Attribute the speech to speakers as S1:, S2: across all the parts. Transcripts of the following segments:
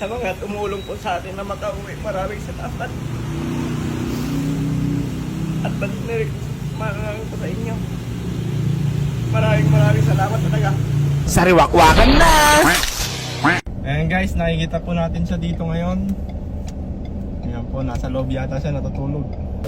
S1: sa mga tumulong po sa atin na makauwi. Maraming salamat. At maraming po sa inyo. Maraming salamat talaga.
S2: Sariwakwakan na!
S3: Ayan guys, nakikita po natin siya dito ngayon. Ayan po, nasa loob yata siya natutulog.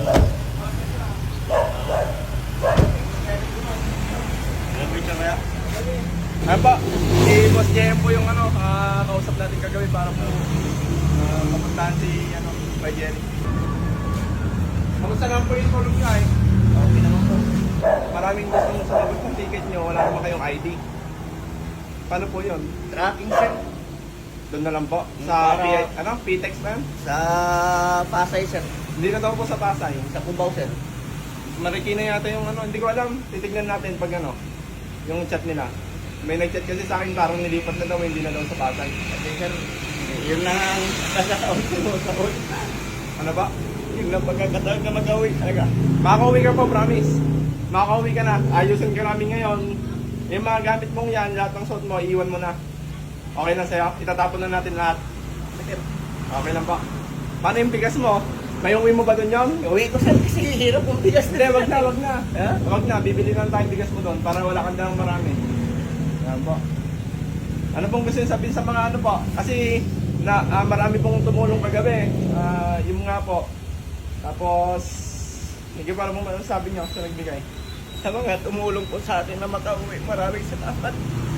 S3: Ayan po, si Boss JM po yung kausap natin kagabi para po mapuntahan si Bay Jerry. Kamusta naman po yung tulog niya eh?
S1: Okay naman po.
S3: Maraming gustong sumagot ng ticket nyo, wala naman kayong ID. Paano po yun?
S1: Tracking sir.
S3: Doon na lang po? Sa
S1: Para-
S3: PTEX na yun?
S1: Sa Pasay sir.
S3: Hindi na daw po sa Pasay.
S1: Sa Cubao sir.
S3: Marikina yata yung hindi ko alam. Titignan natin pag yung chat nila. May nag-chat kasi sa akin parang nilipat na daw, hindi na daw sa Pasay.
S1: Kasi sir, yun lang ang pagkakataon ko sa ulit.
S3: Ano ba?
S1: Yun lang pagkakataon na mag-uwi talaga.
S3: Makakauwi ka po, promise. Makakauwi ka na. Ayusin ka namin ngayon. Yung mga gamit mong yan, lahat ng suot mo, iiwan mo na. Okay na sa'yo? Itatapon na natin lahat.
S1: Sir,
S3: Okay lang pa. Paano yung bigas mo? May uwi mo ba doon yun?
S1: uwi ko sir kasi hirap ang bigas
S3: Hindi, wag na.
S1: Ha?
S3: Wag na, bibili lang tayong bigas mo doon para wala kang dalang marami. Yan po. Ano pong gusto nyo sabihin sa mga po? Kasi marami pong tumulong kagabi. Yung nga po. Tapos, hindi para mong sabi nyo sa nagbigay.
S1: Sa mga tumulong po sa atin na makauwi. Maraming salamat.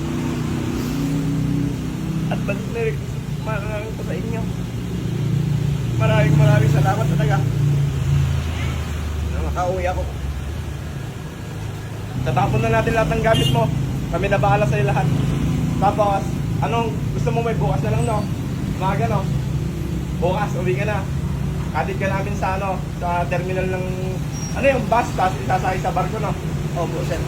S1: At maraming po sa inyo. Maraming salamat talaga. Na makauwi ako.
S3: Tatapon na natin lahat ng gamit mo. Kami na bahala sa'yo lahat. Tapos, anong gusto mo may bukas na lang, no? Umaga, no? Bukas, uwi ka na. Katid ka namin sa sa terminal ng yung bus, tapos isasakay sa barko, no?
S1: Opo sir.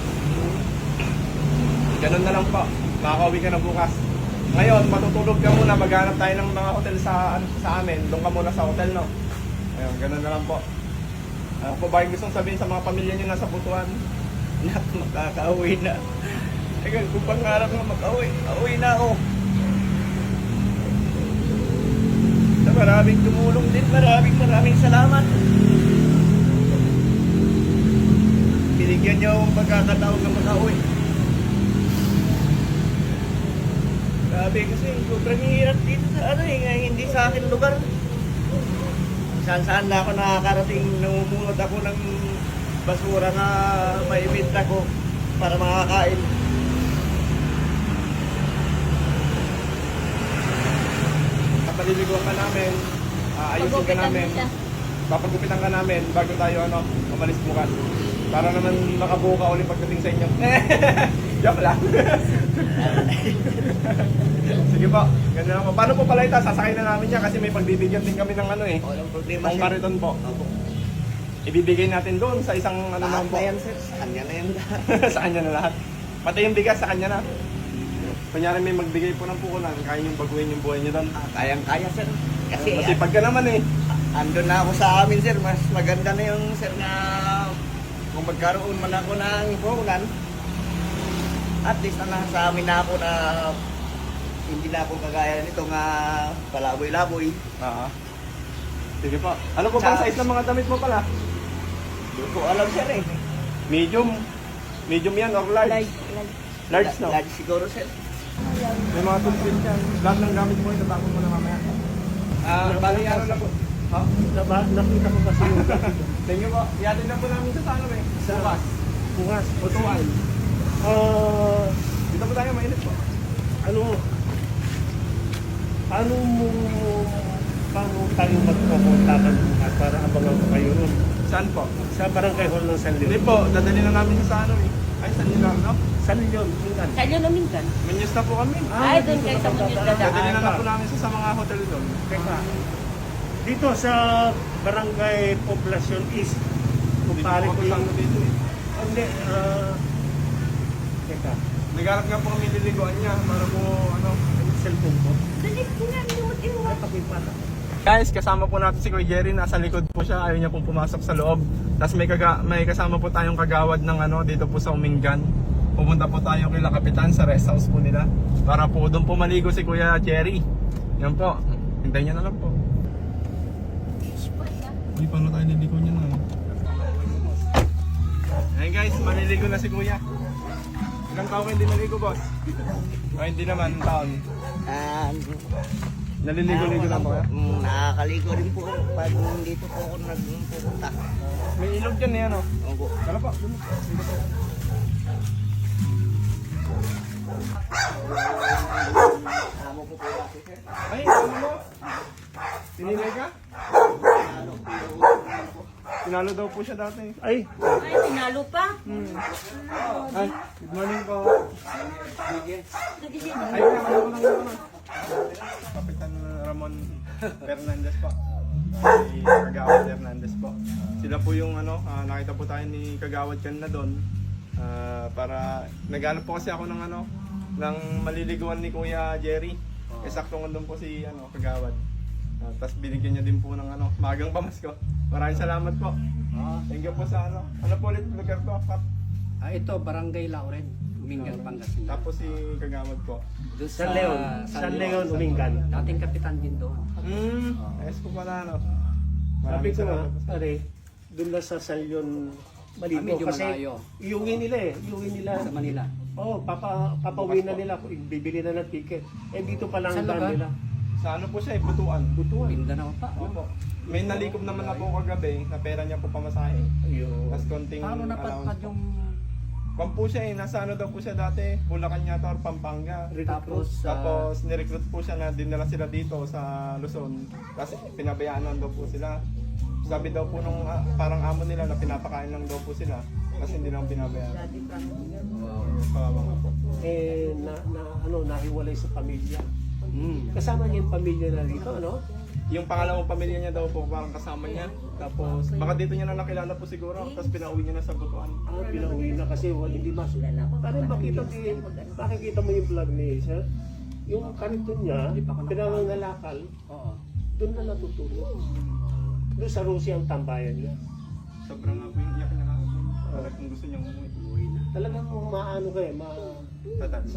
S3: Ganun na lang po. Makakauwi ka na bukas. Ngayon, matutulog ka muna. Maghanap tayo ng mga hotel sa amin. Doon ka muna sa hotel, no? Ayun, ganun na lang po. Ano po ba yung gustong sabihin sa mga pamilya niyo nasa Butuan?
S1: Na makakauwi na. Teka, kung pangarap nga makauwi, auwi na ako. Sa maraming tumulong din, maraming salamat. Binigyan niyo akong pagkakataon na makauwi. Grabe kasi sobrang hirap dito sa hindi sa akin lugar. Saan na ako nakakarating, namumulot ako ng basura na maibenta ko para makakain.
S3: Paliliguan ka namin, ayusin ka namin, papagupitan ka namin bago tayo umalis bukas. Para naman makabuo ka ulit pagdating sa inyo. Joke lang. Sige po, ganun lang po. Paano po pala ito? Sasakay na namin yan kasi may pagbibigyan din kami ng
S1: Walang problema
S3: Pang kariton po.
S1: Opo.
S3: Ibibigay natin doon sa isang naman po.
S1: Yan sir, sa kanya na yan.
S3: Sa kanya na lahat. Pati yung bigas sa kanya na. Kunyari may magbigay po ng pukunan, kaya yung baguhin yung buhay niyo doon.
S1: Kayang-kaya sir. Kasi
S3: Masipag ka naman eh.
S1: andun na ako sa amin sir, mas maganda na yung sir na kung magkaroon man ako ng puhunan, at least na sa amin na ako na hindi na ako kagaya nito nga palaboy-laboy.
S3: Sige po. Ano po bang size ng mga damit mo pala?
S1: Hindi ko alam sir eh.
S3: Medium? Medium yan or large? Large, no?
S1: Large siguro sir.
S3: May mga toothpick yan. Lahat ng gamit mo, itatapon mo na mamaya. Bali ano na po? Ha?
S2: Nakita ko kasi yung
S3: Thank you po. Iatid na po namin sa eh. Sa bus.
S2: bukas.
S3: Butuan. Dito po tayo, mainit po.
S2: Paano tayo magpupuntakan bukas para abangan ko kayo nun?
S3: Saan po?
S2: Sa barangay hall ng San
S3: Hindi
S2: Leon.
S3: po, dadali na namin sa Ay, San Leon, no?
S2: San Leon, Mingan.
S4: Sa inyo namin kan?
S3: Menyes na po kami.
S4: Ay, doon kayo sa Munyos
S3: Dadali na
S4: dadaan.
S3: po namin sa mga hotel doon.
S2: Teka, dito sa barangay Poblacion East, kumpare ko yung...
S3: dito eh.
S2: Hindi, teka,
S3: Nagharap nga po kami liliguan niya para po
S2: yung cellphone ko.
S4: Dali ko nga, limutin mo.
S2: Ay, pakipata.
S3: Guys, kasama po natin si Kuya Jerry, nasa likod po siya, ayaw niya pong pumasok sa loob. Tapos may kasama po tayong kagawad ng dito po sa Umingan. Pupunta po tayo kay Kapitan sa rest house po nila para po doon po maligo si Kuya Jerry. Yan po. Hintayin niya na lang po. Uy, paano tayo niligo niya na? Ayun guys, maliligo na si Kuya. Ilang taon kayo hindi naligo, boss? O hindi naman, taon. Naliligo-ligo lang po.
S1: Nakakaligo din po pag dito po ako nagpupunta.
S3: May ilog dyan eh, ano?
S1: Opo.
S3: Tara po, dun. Dito po.
S1: Amo ko po kasi sir.
S3: Ay, ano mo? Tinilay ka? Tinalo daw po siya dati.
S2: Ay,
S4: Ay, tinalo pa.
S3: Ay, good morning po.
S4: Nagising.
S3: Ay, ano. Kapitan Ramon Fernandez po. Si Kagawad Fernandez po. Sila po yung ano, nakita po tayo ni Kagawad kanina doon. Para naghanap po kasi ako ng ano, ng maliliguan ni Kuya Jerry. Sakto nga doon po si ano, Kagawad. Tapos binigyan niya din po ng ano, magang pamasko. Maraming salamat po. Thank you po sa ano. Ano po ulit lugar po, Kap?
S5: Ito, Barangay Lauren, Umingan, Pangasinan.
S3: Tapos si Kagawad po.
S5: Doon
S2: San Leon. San Leon, Umingan.
S5: Dating kapitan din doon.
S3: Ayos po pala ano.
S2: Sabi
S3: Maraming
S2: ko nga,
S3: salamat po.
S2: pare, doon na sa San Leon maligo.
S5: Medyo
S2: Kasi
S5: malayo.
S2: iuwi nila eh. Iuwi nila.
S5: Sa Manila.
S2: Papauwi na nila. Bibili na ng ticket. Eh dito pa lang
S5: Saan
S2: daan
S5: lugar?
S2: nila.
S3: Sa ano po siya eh, Butuan.
S2: Butuan.
S5: Mindanao pa.
S3: Opo. May nalikob naman na po kagabi na pera niya po pamasahe.
S2: Ayun.
S3: Tapos konting
S5: Paano napadpad yung...
S3: Kung po siya eh, nasa ano daw po siya dati, Bulacan yata or Pampanga.
S5: Tapos,
S3: Tapos nirecruit po siya na dinala sila dito sa Luzon. Kasi pinabayaan lang daw po sila. Sabi daw po nung parang amo nila na pinapakain lang daw po sila. Kasi hindi lang pinabayaan. Kawawa nga po.
S2: Eh, nahiwalay sa pamilya. Kasama niya yung pamilya na dito, ano?
S3: Yung pangalawang pamilya niya daw po, parang kasama niya. Tapos baka dito niya na nakilala po siguro. Tapos pinauwi niya na sa Butuan.
S2: Pinauwi na kasi hindi masuk. Parang makikita mo yung vlog ni sir. Yung kariton niya, pinangangalakal,
S5: Oo.
S2: doon na natutulog. Doon sa Russia ang tambayan niya.
S3: Sobrang nga po yung iyak niya lang. Parang kung gusto niyang umuwi.
S2: Talagang maano kayo,
S3: Tatats.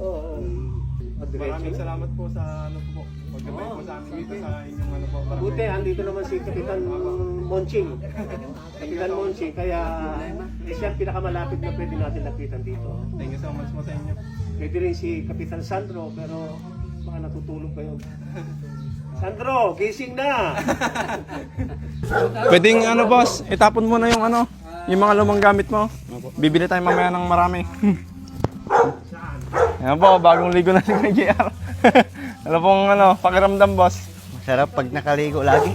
S3: Maraming salamat po sa ano po. Pagkabay po sa amin dito sa inyong ano po.
S2: Buti, andito naman si Kapitan Monching. Kapitan Monching, kaya siya ang pinakamalapit na pwede natin lapitan dito.
S3: Thank you so much po sa inyo.
S2: Pwede rin si Kapitan Sandro, pero baka natutulog pa yun. Sandro, gising na!
S3: Pwedeng ano boss, itapon mo na yung ano, yung mga lumang gamit mo. Bibili tayo mamaya ng marami. Yan po, bagong ligo na si Kuya JR. Ano pong ano, pakiramdam boss?
S1: Masarap pag nakaligo lagi.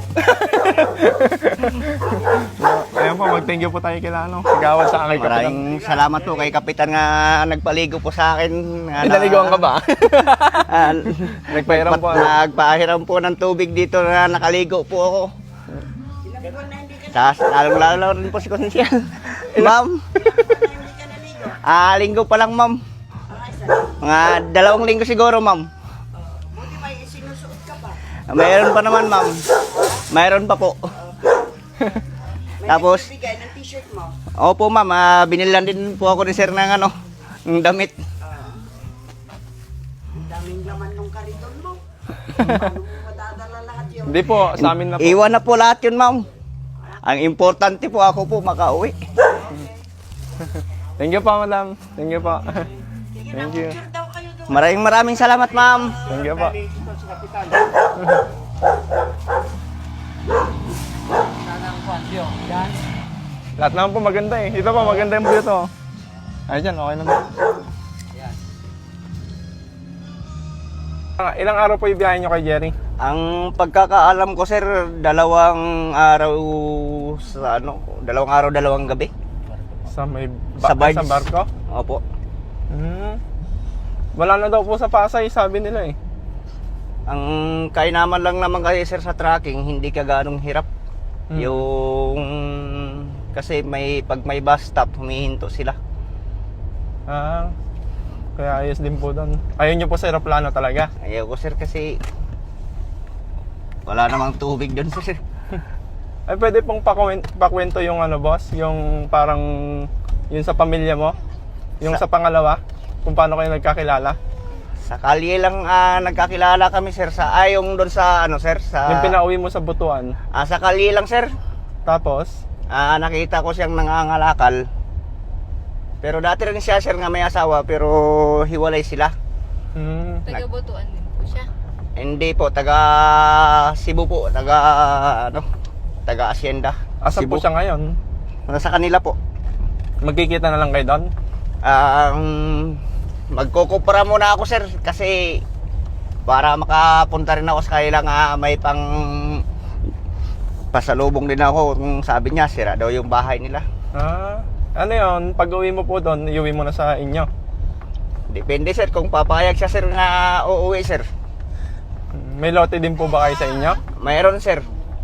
S3: Ayan po, mag-thank you po tayo kila ano, Kagawad sa akin.
S1: Maraming salamat po kay Kapitan nga nagpaligo po sa akin.
S3: Pinaligoan ka ba? Nagpahiram po.
S1: Nagpahiram po ng tubig dito na nakaligo po ako. Tapos lalong-lalo rin po si Konsyal. Ma'am. Linggo pa lang ma'am. Mga 2 linggo siguro ma'am.
S4: Buti may sinusuot ka pa.
S1: Mayroon pa naman ma'am. Mayroon pa po. Tapos,
S4: Bigay ng t-shirt mo.
S1: opo ma'am, binilan din po ako ni sir ng ano, ng damit.
S4: Ang daming laman ng kariton mo. Paano mo madadala lahat yun?
S3: Hindi po, sa amin na po.
S1: Iwan na po lahat yun ma'am. Ang importante po ako po makauwi.
S3: Thank you po, madam. Thank you po. Thank you.
S4: Picture daw kayo doon.
S1: Maraming salamat ma'am.
S3: Thank you po.
S2: Ito si Kapitan.
S3: Lahat naman po maganda eh. Ito po, maganda yung view to. Ay dyan, okay naman. Ilang araw po yung biyahe nyo kay Jerry?
S1: Ang pagkakaalam ko sir, 2 araw sa ano, 2 araw, 2 gabi.
S3: Sa may
S1: Sa barge.
S3: sa barko?
S1: Opo.
S3: Wala na daw po sa Pasay, sabi nila eh.
S1: Ang kainaman lang naman kasi sir sa tracking, hindi ka ganong hirap. Yung kasi pag may bus stop, humihinto sila.
S3: Kaya ayos din po doon. Ayaw nyo po sa aeroplano talaga?
S1: Ayaw ko sir kasi wala namang tubig doon sir.
S3: Ay pwede pong pakwento yung ano boss, yung parang yun sa pamilya mo, yung sa pangalawa, kung paano kayo nagkakilala.
S1: Sa kalye lang nagkakilala kami sir sa yung doon sa ano sir sa
S3: Yung pinauwi mo sa Butuan.
S1: sa kalye lang sir.
S3: Tapos,
S1: Nakita ko siyang nangangalakal. Pero dati rin siya sir nga may asawa pero hiwalay sila.
S6: Taga-Botoan din po siya.
S1: Hindi po taga Cebu po, taga Hacienda.
S3: asan po siya ngayon?
S1: Nasa kanila po.
S3: Magkikita na lang kayo doon?
S1: Magkukupra muna ako sir kasi para makapunta rin ako sa kanila nga may pang pasalubong din ako kung sabi niya sira daw yung bahay nila.
S3: Ano yun? Pag uwi mo po doon, iuwi mo na sa inyo?
S1: Depende sir kung papayag siya sir nga uuwi sir.
S3: May lote din po ba kayo sa inyo?
S1: Mayroon sir.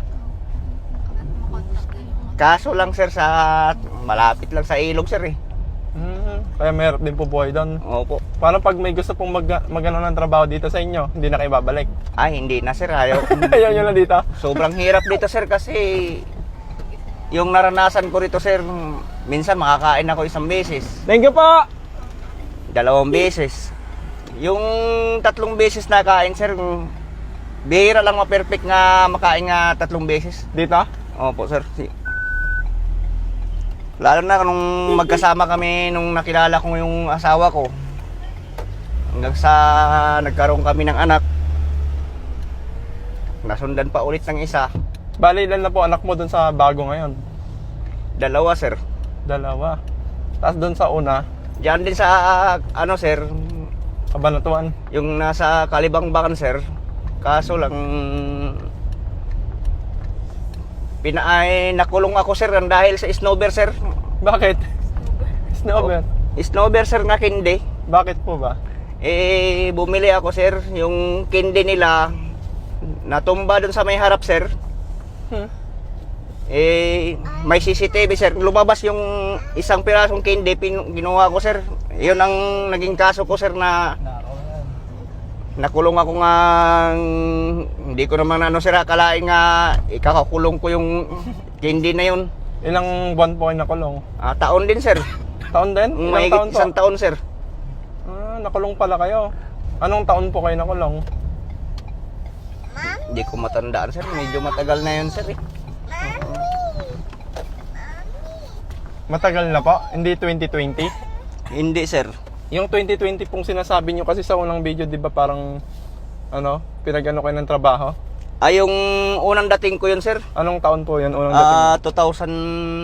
S1: Kaso lang sir sa malapit lang sa ilog sir eh.
S3: Kaya mayroon din po buhay doon.
S1: Opo.
S3: Paano pag may gusto pong mag-ano ng trabaho dito sa inyo? Hindi na kayo babalik?
S1: Ay hindi na sir ayaw.
S3: Ayaw nyo na dito?
S1: Sobrang hirap dito sir kasi yung naranasan ko rito sir, minsan makakain ako isang beses,
S3: Thank you po!
S1: 2 beses. Yung 3 beses na kain sir, bihira lang ma-perfect nga makain nga 3 beses.
S3: Dito?
S1: Opo sir. Lalo na nung magkasama kami nung nakilala ko yung asawa ko. Hanggang sa nagkaroon kami ng anak. Nasundan pa ulit ng isa.
S3: Bali, ilan na po anak mo doon sa bago ngayon?
S1: 2 sir.
S3: 2. Tapos doon sa una,
S1: Diyan din sa ano sir,
S3: Kabanatuan.
S1: yung nasa Kalibangbakan sir. Kaso lang nakulong ako sir dahil sa snowber sir.
S3: Bakit? Snowbird.
S1: Snowber sir nga kindi.
S3: Bakit po ba?
S1: Bumili ako sir, yung kindi nila natumba dun sa may harap sir. May CCTV sir, lumabas yung isang pirasong kindi, ginawa ko sir. Yun ang naging kaso ko sir na nakulong ako nga, hindi ko naman sir akalain nga ikakakulong ko yung kindi na yun.
S3: Ilang buwan po kayo nakulong?
S1: Taon din sir.
S3: Taon din? Ilang
S1: Mahigit
S3: taon po?
S1: isang taon sir.
S3: Nakulong pala kayo. Anong taon po kayo nakulong?
S1: Hindi ko matandaan sir, medyo matagal na yun sir eh.
S3: Matagal na po? Hindi 2020?
S1: Hindi sir.
S3: Yung 2020 pong sinasabi nyo kasi sa unang video, di ba parang pinag-ano kayo ng trabaho?
S1: Yung unang dating ko yun sir.
S3: Anong taon po yun? Unang dating?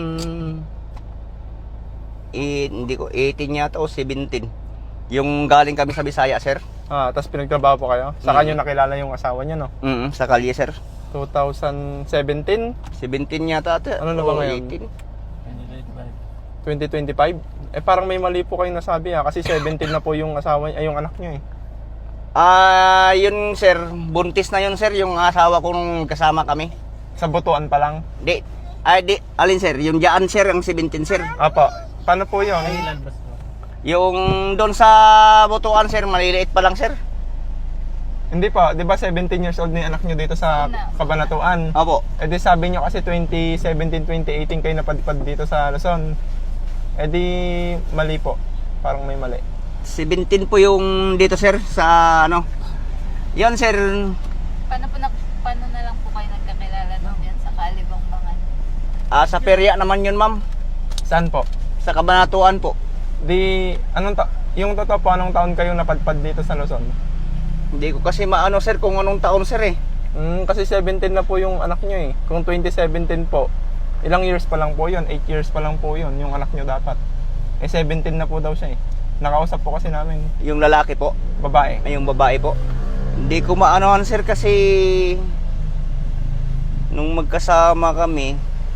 S3: 18 yata o 17. Yung galing kami sa Bisaya sir. Tapos pinagtrabaho po kayo? Sa kanyo nakilala yung asawa niya, no?
S1: Sa kalye sir.
S3: 2017?
S1: 17 yata ate.
S3: Ano na ba
S1: O,
S3: ngayon?
S1: 18.
S3: 2025? Parang may mali po kayo nasabi kasi 17 na po yung asawa yung anak niyo eh.
S1: Yun sir, buntis na yun sir, yung asawa ko nung kasama kami.
S3: Sa Butuan pa lang?
S1: Alin sir, yung dyan sir, ang 17 sir.
S3: Apo. Paano po yun?
S1: Yung doon sa Butuan sir, maliliit pa lang sir.
S3: Hindi pa, di ba 17 years old na yung anak nyo dito sa Kabanatuan?
S1: Opo.
S3: Di sabi nyo kasi 2017, 2018 kayo napadpad dito sa Luzon. Di mali po. Parang may mali.
S1: 17 po yung dito sir, sa ano. Yan sir.
S6: Paano na lang po kayo nagkakilala doon yan sa Kalibangbangan?
S1: Sa perya naman yun ma'am.
S3: Saan po?
S1: Sa Kabanatuan po.
S3: Yung totoo po, anong taon kayo napadpad dito sa Luzon?
S1: Hindi ko kasi maano sir kung anong taon sir eh.
S3: Kasi 17 na po yung anak nyo eh. Kung 2017 po, ilang years pa lang po yun? 8 years pa lang po yun, yung anak nyo dapat. 17 na po daw siya eh. Nakausap po kasi namin.
S1: Yung lalaki po.
S3: Babae.
S1: Yung babae po. Hindi ko maanohan sir kasi nung magkasama kami,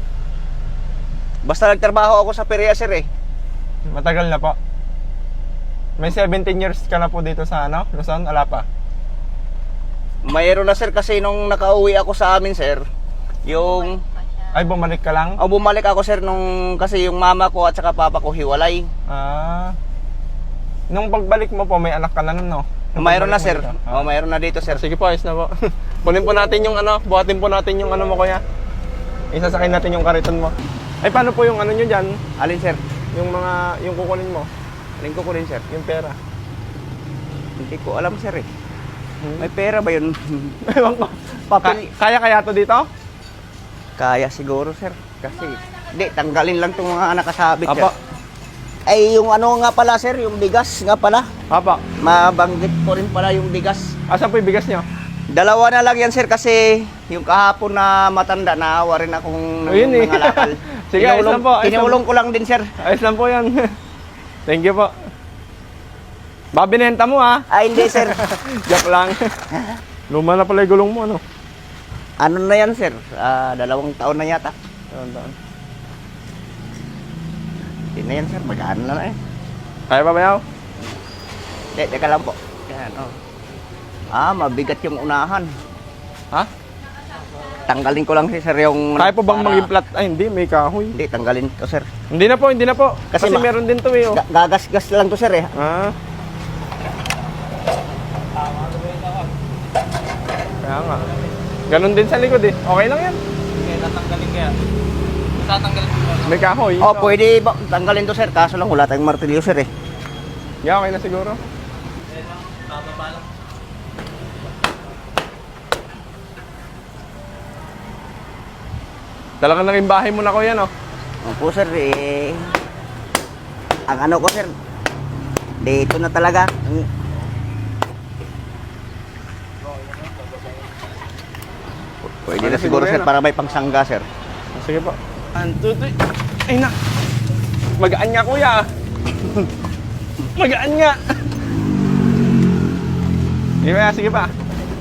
S1: basta nagtrabaho ako sa perya sir eh.
S3: Matagal na po. May 17 years ka na po dito sa Luzon? Ala pa?
S1: Mayroon na sir kasi nung nakauwi ako sa amin sir, yung
S3: Ay, bumalik ka lang?
S1: bumalik ako sir nung kasi yung mama ko at saka papa ko hiwalay.
S3: Nung pagbalik mo po, may anak ka na nun, no? Nung
S1: Mayroon na
S3: pagbalik
S1: sir.
S3: mo dito?
S1: Mayroon na dito sir.
S3: Sige po, ayos na po. Kunin po natin yung buhatin po natin yung mo kuya. Isasakay natin yung kariton mo. Ay, paano po yung nyo dyan?
S1: Alin sir?
S3: Yung kukunin mo?
S1: Alin ko rin sir?
S3: Yung pera.
S1: Hindi ko alam sir eh. May pera ba yun?
S3: Ewan ko. Kaya to dito?
S1: Kaya siguro sir. Kasi, hindi, tanggalin lang itong mga nakasabit sir.
S3: Apo.
S1: Ay, yung ano nga pala sir, yung bigas nga pala.
S3: Apo.
S1: Mabanggit ko rin pala yung bigas.
S3: Asan po yung bigas nyo?
S1: Dalawa na lang yan sir kasi yung kahapon na matanda, naawa rin akong
S3: Ayun eh.
S1: nangalakal.
S3: Sige, ayos lang po, ayos lang
S1: Tinulong ko lang din sir.
S3: Ayos lang po yan. Thank you po. Babinenta mo ha.
S1: Ay, hindi sir.
S3: Joke lang. Luma na pala yung gulong mo, ano?
S1: Ano na yan sir? 2 taon na yata.
S3: Tandaan.
S1: Hindi na yan sir, magaan na eh.
S3: Kaya pa ba yaw?
S1: Hindi, teka lang po. Yan, oh. Mabigat yung unahan.
S3: Ha?
S1: Tanggalin ko lang sir yung...
S3: Kaya po bang
S1: para-
S3: maging flat? Ay, hindi. May kahoy.
S1: Hindi, tanggalin ko sir.
S3: Hindi na po, hindi na po. Kasi
S1: Kasi
S3: meron din to eh, oh.
S1: Gagasgas lang to sir eh.
S3: Ah. Kaya nga. Ganon din sa likod eh. Okay lang yan. May kahoy.
S1: Oh, pwede ba tanggalin to sir? Kaso lang wala tayong martilyo sir eh.
S3: Yeah, okay na siguro. Talagang naging bahay mo na ko yan, oh.
S1: Opo sir eh. Ang ano ko sir, dito na talaga. Pwede na siguro sir para may pangsangga sir.
S3: Sige po. 1, 2, 3. Ay na. Magaan nga kuya. Magaan nga. Sige pa, sige pa.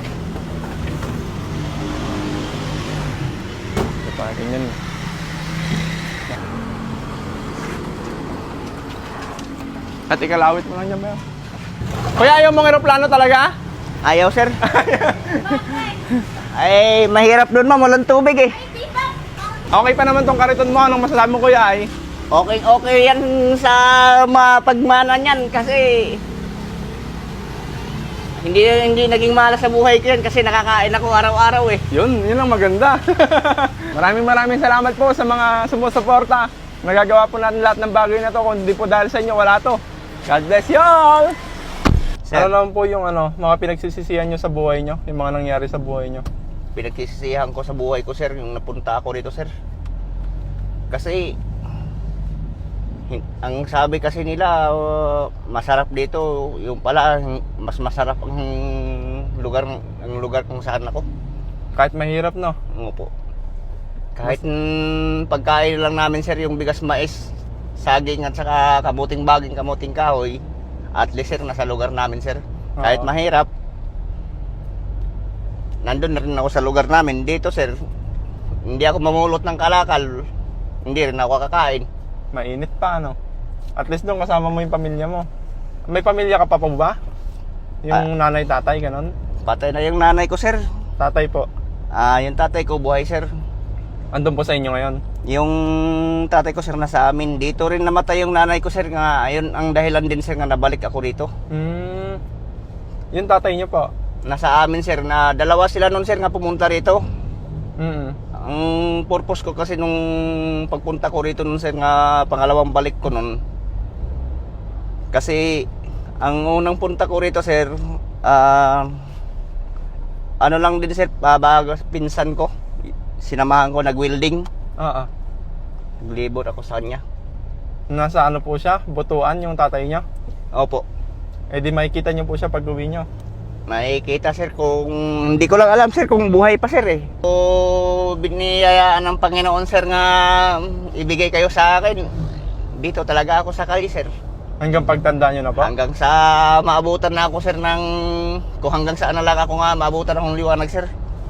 S3: Ito pa, ganyan. At ikalawit mo lang yan ba? Kuya, ayaw mong aeroplano talaga?
S1: Ayaw sir. Ay, mahirap doon ma'am, walang tubig eh.
S3: Okay pa naman tong kariton mo. Anong masasabi mo kuya ay?
S1: Okay yan sa mapagmana niyan kasi hindi naging malas sa buhay ko yan kasi nakakain ako araw-araw eh.
S3: Yun ang maganda. maraming salamat po sa mga sumusuporta. Nagagawa po natin lahat ng bagay na to. Kung hindi po dahil sa inyo, wala to. God bless you all!
S1: Sir,
S3: Ano naman po yung mga pinagsisisihan nyo sa buhay nyo? Yung mga nangyari sa buhay nyo?
S1: pinagsisisihan ko sa buhay ko sir yung napunta ako dito sir. Kasi ang sabi kasi nila masarap dito, yung pala mas masarap ang lugar kung saan ako.
S3: Kahit mahirap, no?
S1: Opo. Kahit pagkain lang namin sir yung bigas mais, saging at saka kamuting baging, kamuting kahoy, at least sir nasa lugar namin sir. Kahit
S3: Oo.
S1: mahirap, nandun na rin ako sa lugar namin. Dito sir, hindi ako mamulot ng kalakal, hindi rin ako kakain.
S3: Mainit pa, no? At least doon kasama mo yung pamilya mo. May pamilya ka pa po ba? Yung nanay, tatay, ganon?
S1: Patay na yung nanay ko sir.
S3: Tatay po.
S1: Yung tatay ko buhay sir.
S3: Andun po sa inyo ngayon?
S1: Yung tatay ko sir nasa amin. Dito rin namatay yung nanay ko sir, nga ayun ang dahilan din sir nga nabalik ako dito.
S3: Yung tatay niyo po?
S1: Nasa amin sir, na dalawa sila nun sir nga pumunta rito. Ang purpose ko kasi nung pagpunta ko rito nun sir, nga pangalawang balik ko nun, kasi ang unang punta ko rito sir, ano lang din sir, bago pinsan ko, sinamahan ko nag-welding.
S3: Oo.
S1: Naglibot ako sa kanya.
S3: Nasa ano po siya? Butuan yung tatay niya?
S1: Opo.
S3: Eh di makikita niyo po siya pag uwi niyo.
S1: Makikita sir kung, hindi ko lang alam sir kung buhay pa sir eh. So, biniyayaan ng Panginoon sir nga ibigay kayo sa akin. Dito talaga ako sa kali sir.
S3: Hanggang pagtanda niyo na po?
S1: Hanggang sa maabutan na ako sir ng, kung hanggang saan na lang ako nga maabutan akong liwanag sir.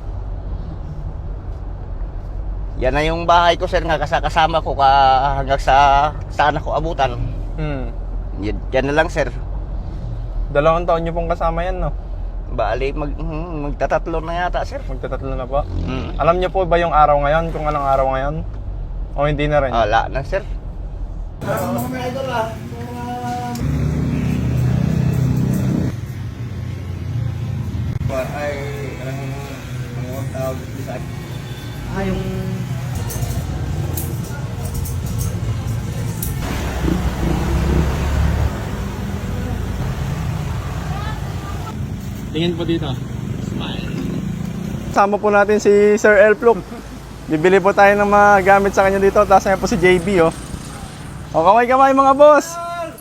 S1: Yan na yung bahay ko sir nga kasama ko hanggang sa saan ako abutan. Yan na lang sir.
S3: 2 taon niyo pong kasama yan, no?
S1: Bali magtatatlo na yata sir.
S3: Magtatatlo na po. Alam niyo po ba yung araw ngayon? Kung anong araw ngayon? O hindi na rin?
S1: Wala na sir. Ay, ang tawag sa yung
S3: Tingin po dito. Sama po natin si Sir Elflook. Bibili po tayo ng mga gamit sa kanya dito. Tapos ngayon po si JB, oh. O, kamay-kamay mga boss!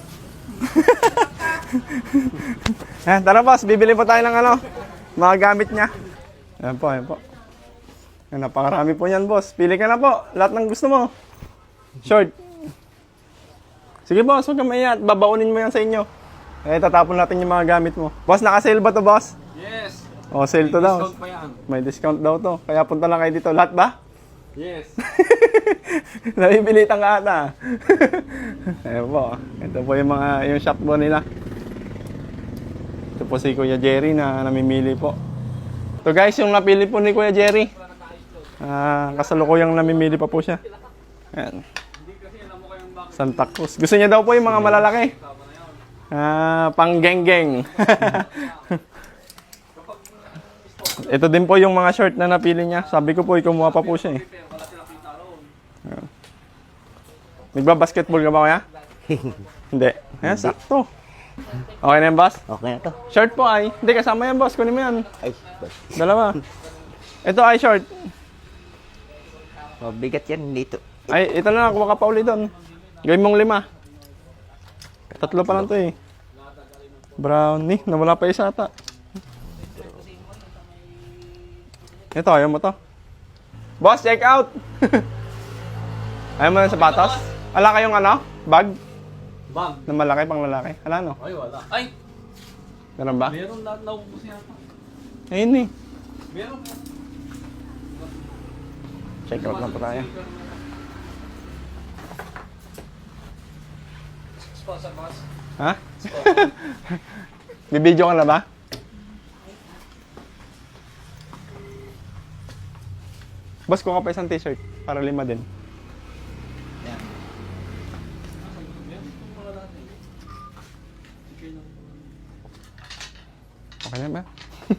S3: Tara boss, bibili po tayo ng ano, mga gamit niya. Ayan po, ayan po. Ayan, napakarami po yan boss. Pili ka na po, lahat ng gusto mo. Short. Sige boss, huwag ka maiya at babaunin mo yan sa inyo. Eh, tatapon natin yung mga gamit mo. Boss, naka-sale ba to boss?
S5: Yes!
S3: O, sale to daw.
S5: Discount pa yan.
S3: May discount daw to. Kaya punta lang kayo dito. Lahat ba?
S5: Yes!
S3: Nabibilitan ka ata. Ayan po. Ito po yung shop po nila. Ito po si Kuya Jerry na namimili po. Ito guys, yung napili po ni Kuya Jerry. Kasalukuyang namimili pa po siya. Ayan. Santa Cruz. Gusto niya daw po yung mga malalaki. Pang geng-geng. Ito din po yung mga short na napili niya. Sabi ko po, kumuha pa po siya eh. Ayan. Nagba-basketball ka ba kaya? Hindi. Ayan, sakto. Okay na yan, boss?
S1: Okay na to.
S3: Short po ay. Hindi, kasama yan, boss. Kunin mo yan.
S1: Ay,
S3: Dalawa. Ito ay short.
S1: mabigat yan dito.
S3: Ay, ito na. Kuha ka pa ulit doon. Gawin mong 5. 3 pa lang to eh. Brownie. Nawala pa isa ata. Ito, ayaw mo to. Boss, check out! Ayaw mo ng sapatos? Wala kayong ano? Bag?
S5: Bag?
S3: Na malaki, pang lalaki? Wala no?
S5: Ay, wala. Ay!
S3: Meron ba?
S5: Meron lahat na ubus yata.
S3: Ayun eh.
S5: Meron.
S3: Check out na po tayo.
S5: Sponsor boss.
S3: Ha? Bibidyo ka na ba? Boss, kuha ka pa isang t-shirt para 5 din. Okay na ba?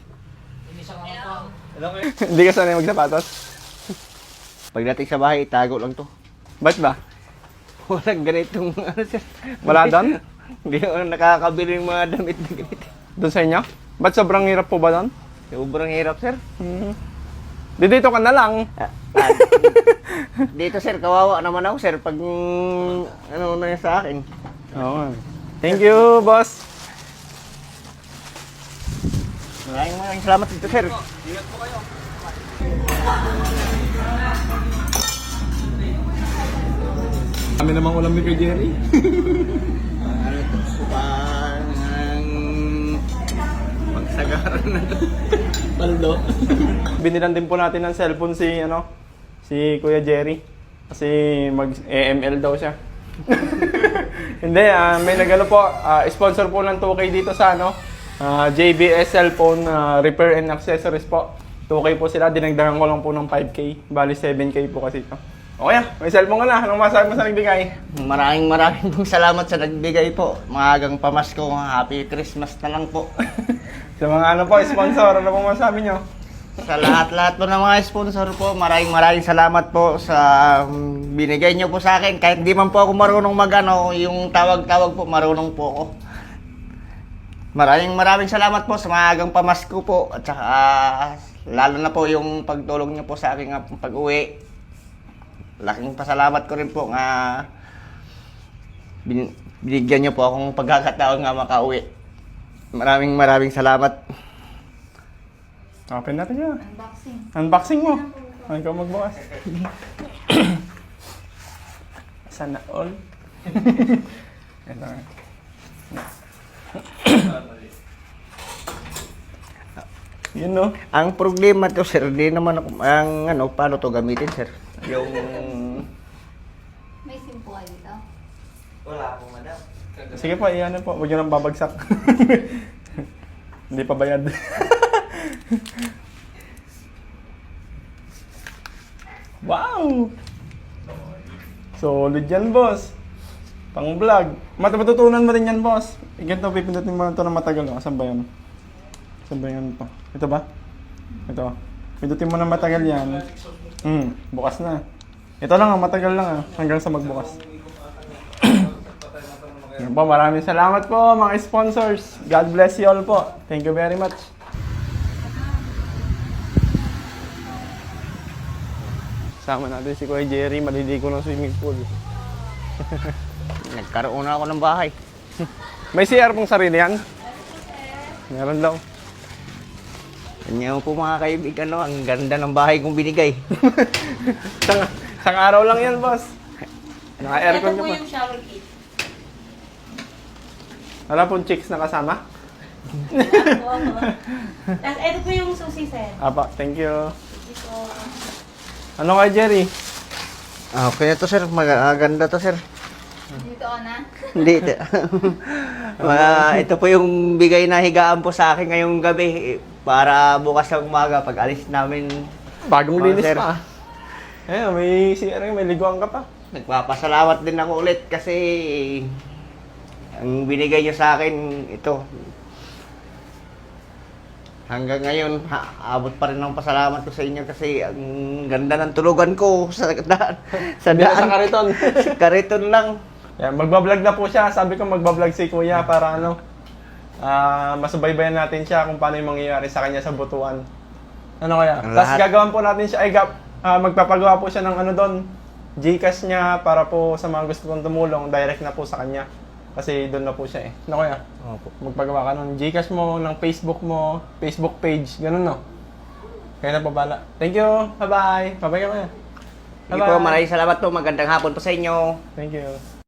S3: Hindi ka sanay magsapatos?
S1: Pagdating sa bahay, itago lang to.
S3: Ba't ba?
S1: Walang ganitong ano sir.
S3: Wala doon?
S1: Hindi ako nakakabili ng mga damit na ganito.
S3: Doon sa inyo? Ba't sobrang hirap po ba doon?
S1: Sobrang hirap sir.
S3: Dito ka na lang.
S1: Dito sir, kawawa naman ako sir pag ano na sa akin.
S3: Oo. Thank you, boss.
S1: Maraming salamat dito sir.
S5: Ingat po kayo.
S3: Kami namang ulam ni kay Jerry.
S1: Pagsagaran na to. Paldo.
S3: Binilan din po natin ng cellphone si Kuya Jerry. Kasi mag-AML daw siya. Hindi, may nagano po, sponsor po ng 2K dito sa JBS Cellphone Repair and Accessories po. 2K po sila, dinagdagan ko lang po ng 5K. Bali 7K po kasi ito. Okay, may cellphone ka na. Anong masabi mo sa nagbigay?
S1: Maraming pong salamat sa nagbigay po. Maagang pamasko, Happy Christmas na lang po.
S3: Sa mga sponsor, ano pong masabi nyo?
S1: Sa lahat-lahat po ng mga sponsor po, maraming salamat po sa binigay nyo po sa akin. Kahit di man po ako marunong yung tawag-tawag po, marunong po ako. Maraming salamat po sa maagang pamasko po. At saka lalo na po yung pagtulong nyo po sa aking pag-uwi. Laking pasalamat ko rin po nga binigyan nyo po akong pagkakataon nga makauwi. Maraming salamat.
S3: Open natin yun.
S6: Unboxing.
S3: Unboxing mo. Ay, ikaw magbukas. Sana all. Ito nga. Yun no.
S1: Ang problema to sir, di naman ako, paano to gamitin sir? Yung...
S6: May SIM po kayo dito?
S1: Wala po madam.
S3: Sige po, iyan po. Huwag nyo nang babagsak. Hindi pa bayad. Wow! Solid yan, boss. Pang vlog. Matututunan mo rin yan, boss. Ganito, pipindutin mo ito na matagal. Saan ba yan? Saan ba yan po? Ito ba? Ito. Pindutin mo na matagal yan. Bukas na. Ito lang, matagal lang hanggang sa magbukas. Yan po, maraming salamat po mga sponsors. God bless you all po. Thank you very much. Sama natin si Kuya Jerry, maliligo ng swimming pool.
S1: Nagkaroon na ako ng bahay.
S3: May CR pong sarili yan? Meron daw.
S1: Ganyan po mga kaibigan, no? Ang ganda ng bahay kong binigay.
S3: Isang araw lang yan, boss. Naka-aircon ka pa.
S6: shower kit.
S3: Wala pong chicks na kasama?
S7: Tapos, ito po yung susi, sir.
S3: Apa, thank you. Ano kay Jerry?
S1: Okay na to, sir. Maganda to, sir.
S6: Dito ka na.
S1: Hindi. Ito po yung bigay na higaan po sa akin ngayong gabi. Para bukas na umaga, pag alis namin.
S3: Bagong
S1: Oh,
S3: linis
S1: sir.
S3: pa. Eh, may CR, may liguan ka pa.
S1: Nagpapasalamat din ako ulit kasi ang binigay niyo sa akin, ito. Hanggang ngayon, abot pa rin ang pasalamat ko sa inyo kasi ang ganda ng tulugan ko sa daan. Sa
S3: Hindi na sa
S1: daan.
S3: kariton.
S1: Kariton lang.
S3: Yan, magbablog na po siya. Sabi ko magbablog si Kuya para ano, masubaybayan natin siya kung paano yung mangyayari sa kanya sa butuan. Ano kaya?
S1: Ang
S3: Tapos
S1: lahat.
S3: gagawan po natin siya, magpapagawa po siya ng ano doon, Gcash niya para po sa mga gusto kong tumulong, direct na po sa kanya. Kasi doon na po siya eh. Ano kaya?
S1: Opo.
S3: Magpagawa ka ng Gcash mo, ng Facebook mo, Facebook page, ganun no? Kaya na po bala. Thank you! Bye-bye! Bye-bye ka Kuya!
S1: Sige po, maraming salamat po. Magandang hapon po sa inyo.
S3: Thank you!